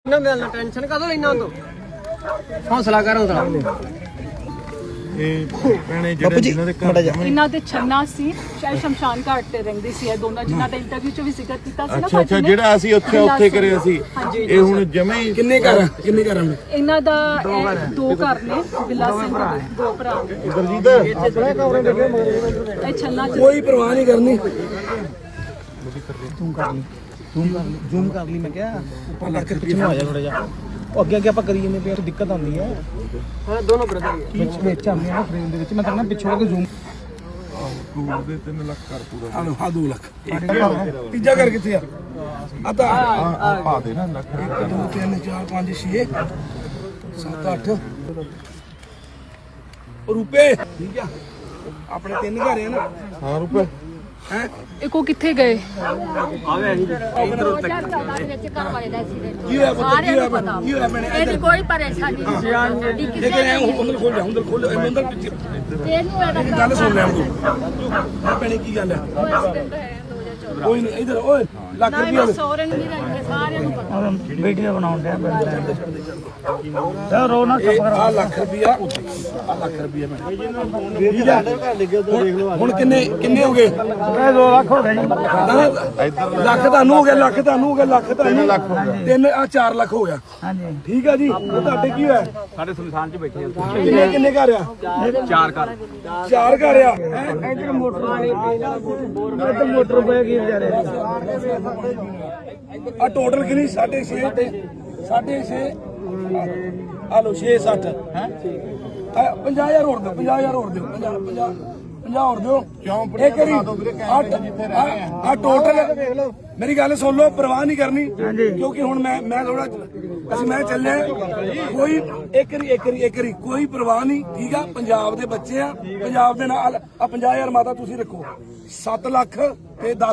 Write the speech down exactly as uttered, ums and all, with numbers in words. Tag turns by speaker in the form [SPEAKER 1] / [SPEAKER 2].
[SPEAKER 1] ना मिलना टेंशन का तो लेना तो हौसला कर हौसला
[SPEAKER 2] ਇਹ ਭੈਣੇ ਜਿਹੜੇ ਜਿਨ੍ਹਾਂ ਦੇ ਘਰ
[SPEAKER 3] ਇਹਨਾਂ ਦੇ ਛੰਨਾ ਸੀ ਸ਼ਾਇਦ ਸ਼ਮਸ਼ਾਨ ਘਾਟ ਤੇ ਰਹਿੰਦੇ ਸੀ ਇਹ ਦੋਨਾਂ ਜਿਨ੍ਹਾਂ ਦਾ ਇੰਟਰਵਿਊ ਚ ਵੀ ਜ਼ਿਕਰ ਕੀਤਾ ਸੀ ਨਾ
[SPEAKER 2] ਅੱਛਾ ਅੱਛਾ ਜਿਹੜਾ ਅਸੀਂ ਉੱਥੇ ਉੱਥੇ ਕਰਿਆ ਸੀ ਇਹ ਹੁਣ ਜਮੇ ਹੀ
[SPEAKER 4] ਕਿੰਨੇ ਘਰ ਕਿੰਨੇ ਘਰਾਂ ਨੇ
[SPEAKER 3] ਇਹਨਾਂ ਦਾ ਇਹ ਦੋ ਘਰ ਨੇ ਬਿੱਲਾ ਸਿੰਘ ਦੇ ਦੋ ਭਰਾ ਇਹ ਛੰਨਾ ਚ
[SPEAKER 4] ਕੋਈ ਪਰਵਾਹ ਨਹੀਂ ਕਰਨੀ
[SPEAKER 5] ਤੂੰ ਕਰ ਲਈ ਜ਼ੂਮ ਕਰ ਲਈ ਜ਼ੂਮ ਕਰ ਲਈ ਮੈਂ ਕਿਹਾ ਉੱਪਰ ਕਰਕੇ ਪਿੱਛੇ ਨੂੰ ਆ ਜਾ ਥੋੜਾ ਜਿਹਾ ਉਹ ਅੱਗੇ ਅੱਗੇ ਆਪਾਂ ਕਰੀ ਜਾਂਦੇ ਪਏ ਦਿੱਕਤ ਆਉਂਦੀ ਹੈ
[SPEAKER 1] हां दोनों ब्रदर
[SPEAKER 5] ਵਿੱਚ ਵਿੱਚ ਆਉਂਦੇ ਆ ਫਰੇਮ ਦੇ ਵਿੱਚ ਮੈਂ ਕਹਿੰਦਾ ਪਿੱਛੋਂ ਕੇ ਜ਼ੂਮ
[SPEAKER 2] ਸਕੂਲ ਦੇ ਤਿੰਨ ਲੱਖ ਕਰ ਪੂਰਾ
[SPEAKER 4] ਆ ਲੋ ਆ ਦੋ ਲੱਖ ਤੀਜਾ ਘਰ ਕਿੱਥੇ ਆ ਆ ਤਾਂ
[SPEAKER 2] ਆ ਪਾ ਦੇ ਨਾ ਲੱਖ
[SPEAKER 4] ਇੱਕ ਦੋ ਤਿੰਨ ਚਾਰ ਪੰਜ ਛੇ ਸੱਤ ਅੱਠ ਰੁਪਏ ਠੀਕ ਆ ਆਪਣੇ ਤਿੰਨ ਘਰ ਆ ਨਾ
[SPEAKER 2] ਹਾਂ ਰੁਪਏ
[SPEAKER 4] ਹੈ
[SPEAKER 3] ਇਹ ਕੋ ਕਿੱਥੇ ਗਏ
[SPEAKER 4] ਕੀ ਹੋਇਆ ਪੁੱਤ ਕੀ ਹੋਇਆ ਕੀ ਹੋਇਆ ਮੈਨੇ
[SPEAKER 6] ਇਹਦੀ ਕੋਈ ਪਰੇਸ਼ਾਨੀ ਨਹੀਂ
[SPEAKER 4] ਲੇਕਿਨ ਐ ਅੰਦਰ ਖੋਲ ਜਾ ਅੰਦਰ ਖੋਲ ਜਾ ਅੰਦਰ ਪਿੱਛੇ
[SPEAKER 6] ਤੈਨੂੰ ਇਹਦਾ
[SPEAKER 4] ਮੇਰੀ ਗੱਲ ਸੁਣ ਲੈ ਤੂੰ ਆ ਭੈਣੇ ਕੀ ਗੱਲ ਹੈ ਕੋਈ ਨਹੀਂ ਇਧਰ ਓਏ ਲੱਖ ਰੁਪਏ ਦੇ
[SPEAKER 6] ਸੋਰਨ ਵੀ ਰਹਿੰਦੇ ਸਾਰਿਆਂ ਨੂੰ ਪਤਾ
[SPEAKER 5] ਵੀਡੀਓ ਬਣਾਉਣ ਡਿਆ ਰੋ ਨਾ
[SPEAKER 4] ਇਹ ਆ ਲੱਖ ਰੁਪਿਆ ਆ ਲੱਖ ਰੁਪਿਆ ਮੈਂ ਹੁਣ ਕਿੰਨੇ ਕਿੰਨੇ ਹੋ ਗਏ
[SPEAKER 5] ਇਹ ਦੋ ਲੱਖ ਹੋ ਗਏ ਜੀ
[SPEAKER 4] ਲੱਖ ਤੁਹਾਨੂੰ ਹੋ ਗਿਆ ਲੱਖ ਤੁਹਾਨੂੰ ਹੋ ਗਿਆ ਲੱਖ ਤੁਹਾਨੂੰ ਲੱਖ ਤਿੰਨ ਆ ਚਾਰ ਲੱਖ ਹੋ ਗਿਆ
[SPEAKER 5] ਹਾਂਜੀ
[SPEAKER 4] ਠੀਕ ਆ ਜੀ ਉਹ ਤੁਹਾਡੇ ਕੀ ਹੋਇਆ
[SPEAKER 1] साडे सुनसान च बैठे
[SPEAKER 4] ਕਿੰਨੇ ਕਿੰਨੇ ਘਰ ਆ
[SPEAKER 1] चार कर
[SPEAKER 4] ਚਾਰ ਘਰ ਆ
[SPEAKER 5] ਇੱਧਰ ਮੋਟਰ ਇੱਧਰ ਮੋਟਰ ਪਏ ਕੀ ਵਿਚਾਰੇ
[SPEAKER 4] ਆ ਟੋਟਲ ਕਿੰਨੀ ਸਾਢੇ ਛੇ ਤੇ ਸਾਢੇ ਛੇ ਆ ਲੋ ਛੇ ਸੱਠ ਹੈ ਪੰਜਾਹ ਹਜ਼ਾਰ ਹੋਰ ਦਿਓ ਪੰਜਾਹ ਹਜ਼ਾਰ ਹੋਰ ਦਿਓ ਪੰਜਾਹ ਪੰਜਾਹ ਪੰਜਾਹ ਹੋਰ ਦਿਓ ਕਿਉਂ ਇਹ ਕਰੀ ਆ ਟੋਟਲ ਮੇਰੀ ਗੱਲ ਸੁਣ ਲਓ ਪਰਵਾਹ ਨਹੀਂ ਕਰਨੀ ਕਿਉਂਕਿ ਹੁਣ ਮੈਂ ਮੈਂ ਥੋੜਾ ਅਸੀਂ ਮੈਂ ਚੱਲਿਆ ਕੋਈ ਇੱਕ ਰੀ ਇੱਕ ਰੀ ਇੱਕ ਰੀ ਕੋਈ ਪਰਵਾਹ ਨਹੀਂ ਠੀਕ ਆ ਪੰਜਾਬ ਦੇ ਬੱਚੇ ਆ ਪੰਜਾਬ ਦੇ ਨਾਲ ਆ ਪੰਜਾਹ ਹਜ਼ਾਰ ਮਾਤਾ ਤੁਸੀਂ ਰੱਖੋ ਸੱਤ ਲੱਖ ਤੇ ਦਸ